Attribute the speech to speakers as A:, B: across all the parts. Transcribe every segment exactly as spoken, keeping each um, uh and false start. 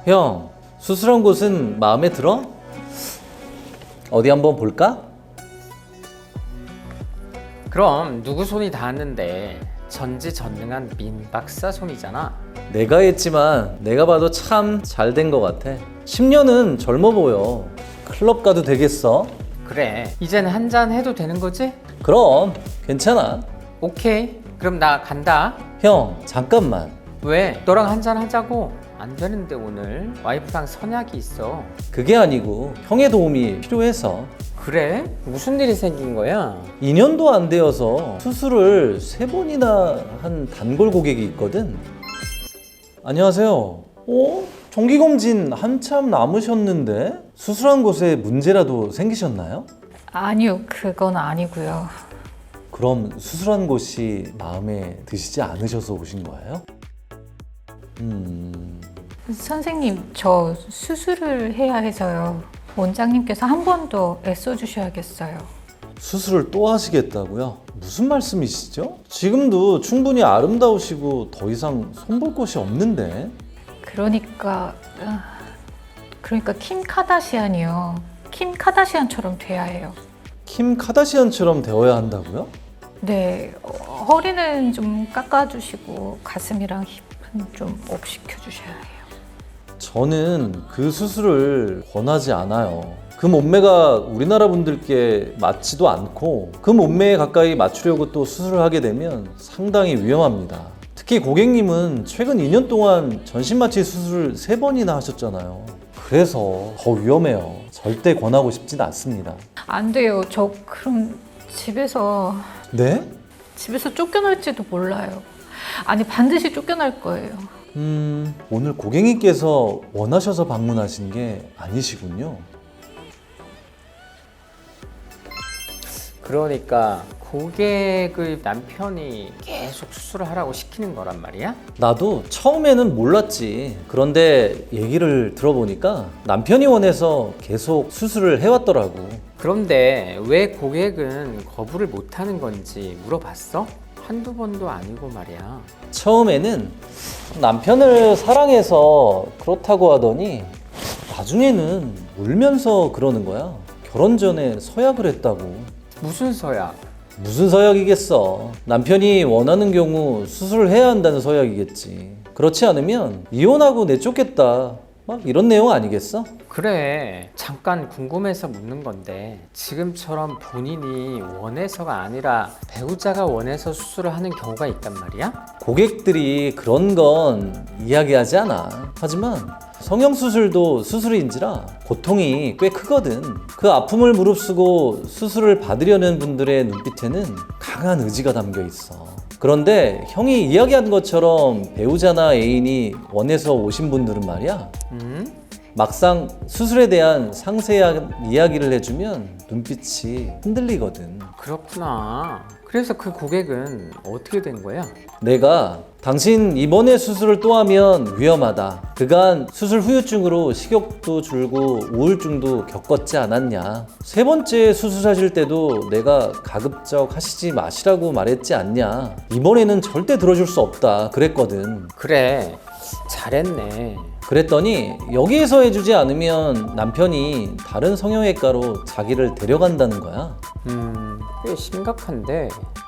A: 형, 수술한 곳은 마음에 들어? 어디 한번 볼까?
B: 그럼 누구 손이 닿았는데 전지전능한 민 박사 손이잖아.
A: 내가 했지만 내가 봐도 참 잘 된 것 같아. 십 년은 젊어 보여. 클럽 가도 되겠어?
B: 그래, 이제는 한잔 해도 되는 거지?
A: 그럼 괜찮아.
B: 오케이, 그럼 나 간다.
A: 형, 잠깐만.
B: 왜? 너랑 한잔 하자고. 안 되는데 오늘 와이프랑 선약이 있어.
A: 그게 아니고 형의 도움이 필요해서.
B: 그래? 무슨 일이 생긴 거야?
A: 이 년도 안 되어서 수술을 세 번이나 한 단골 고객이 있거든. 안녕하세요. 어? 정기검진 한참 남으셨는데 수술한 곳에 문제라도 생기셨나요?
C: 아니요, 그건 아니고요.
A: 그럼 수술한 곳이 마음에 드시지 않으셔서 오신 거예요? 음...
C: 선생님, 저 수술을 해야 해서요. 원장님께서 한 번 더 애써주셔야겠어요.
A: 수술을 또 하시겠다고요? 무슨 말씀이시죠? 지금도 충분히 아름다우시고 더 이상 손볼 곳이 없는데.
C: 그러니까 아, 그러니까 킴 카다시안이요. 킴 카다시안처럼 돼야 해요.
A: 킴 카다시안처럼 되어야 한다고요?
C: 네, 어, 허리는 좀 깎아주시고 가슴이랑 힙은 좀 업 시켜주셔야 해요.
A: 저는 그 수술을 권하지 않아요. 그 몸매가 우리나라 분들께 맞지도 않고 그 몸매에 가까이 맞추려고 또 수술을 하게 되면 상당히 위험합니다. 특히 고객님은 최근 이 년 동안 전신마취 수술을 세 번이나 하셨잖아요. 그래서 더 위험해요. 절대 권하고 싶진 않습니다.
C: 안 돼요. 저 그럼 집에서
A: 네?
C: 집에서 쫓겨날지도 몰라요. 아니 반드시 쫓겨날 거예요.
A: 음, 오늘 고객님께서 원하셔서 방문하신 게 아니시군요.
B: 그러니까 고객의 남편이 계속 수술을 하라고 시키는 거란 말이야?
A: 나도 처음에는 몰랐지. 그런데 얘기를 들어보니까 남편이 원해서 계속 수술을 해왔더라고.
B: 그런데 왜 고객은 거부를 못하는 건지 물어봤어? 한두 번도 아니고 말이야.
A: 처음에는 남편을 사랑해서 그렇다고 하더니 나중에는 울면서 그러는 거야. 결혼 전에 서약을 했다고.
B: 무슨 서약?
A: 무슨 서약이겠어. 남편이 원하는 경우 수술을 해야 한다는 서약이겠지. 그렇지 않으면 이혼하고 내쫓겠다. 막 이런 내용 아니겠어?
B: 그래, 잠깐 궁금해서 묻는 건데 지금처럼 본인이 원해서가 아니라 배우자가 원해서 수술을 하는 경우가 있단 말이야?
A: 고객들이 그런 건 이야기하지 않아. 하지만 성형수술도 수술인지라 고통이 꽤 크거든. 그 아픔을 무릅쓰고 수술을 받으려는 분들의 눈빛에는 강한 의지가 담겨 있어. 그런데 형이 이야기한 것처럼 배우자나 애인이 원해서 오신 분들은 말이야,
B: 음?
A: 막상 수술에 대한 상세한 이야기를 해주면 눈빛이 흔들리거든.
B: 그렇구나. 그래서 그 고객은 어떻게 된 거야?
A: 내가 당신 이번에 수술을 또 하면 위험하다. 그간 수술 후유증으로 식욕도 줄고 우울증도 겪었지 않았냐. 세 번째 수술하실 때도 내가 가급적 하시지 마시라고 말했지 않냐. 이번에는 절대 들어줄 수 없다 그랬거든.
B: 그래, 잘했네.
A: 그랬더니 여기에서 해주지 않으면 남편이 다른 성형외과로 자기를 데려간다는 거야.
B: 음, 꽤 심각한데.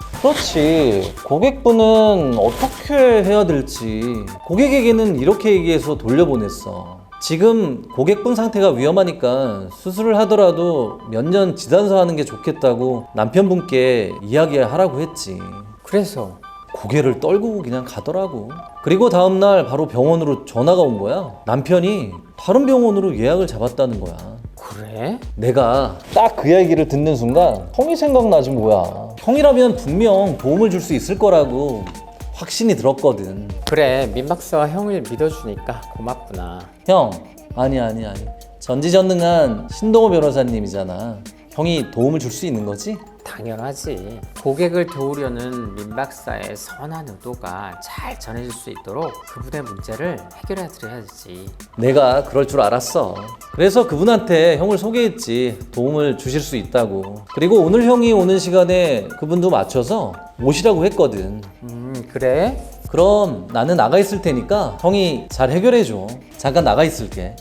A: 그렇지. 고객분은 어떻게 해야 될지 고객에게는 이렇게 얘기해서 돌려보냈어. 지금 고객분 상태가 위험하니까 수술을 하더라도 몇 년 지단서 하는 게 좋겠다고 남편분께 이야기하라고 했지.
B: 그래서
A: 고개를 떨구고 그냥 가더라고. 그리고 다음날 바로 병원으로 전화가 온 거야. 남편이 다른 병원으로 예약을 잡았다는 거야.
B: 그래?
A: 내가 딱 그 얘기를 듣는 순간 형이 생각나지 뭐야. 형이라면 분명 도움을 줄 수 있을 거라고 확신이 들었거든.
B: 그래, 민 박사와 형을 믿어주니까 고맙구나.
A: 형, 아니 아니 아니. 전지전능한 신동호 변호사님이잖아. 형이 도움을 줄 수 있는 거지?
B: 당연하지. 고객을 도우려는 민 박사의 선한 의도가 잘 전해질 수 있도록 그분의 문제를 해결해 드려야지.
A: 내가 그럴 줄 알았어. 그래서 그분한테 형을 소개했지. 도움을 주실 수 있다고. 그리고 오늘 형이 오는 시간에 그분도 맞춰서 모시라고 했거든.
B: 음, 그래?
A: 그럼 나는 나가 있을 테니까 형이 잘 해결해줘. 잠깐 나가 있을게.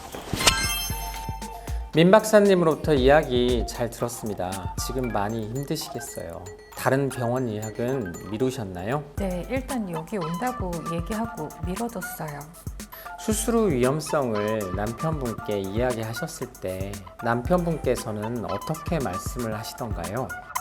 B: 민 박사님으로부터 이야기 잘 들었습니다. 지금 많이 힘드시겠어요. 다른 병원 예약은 미루셨나요?
C: 네, 일단 여기 온다고 얘기하고 미뤄뒀어요.
B: 수술 후 위험성을 남편분께 이야기하셨을 때 남편분께서는 어떻게 말씀을 하시던가요?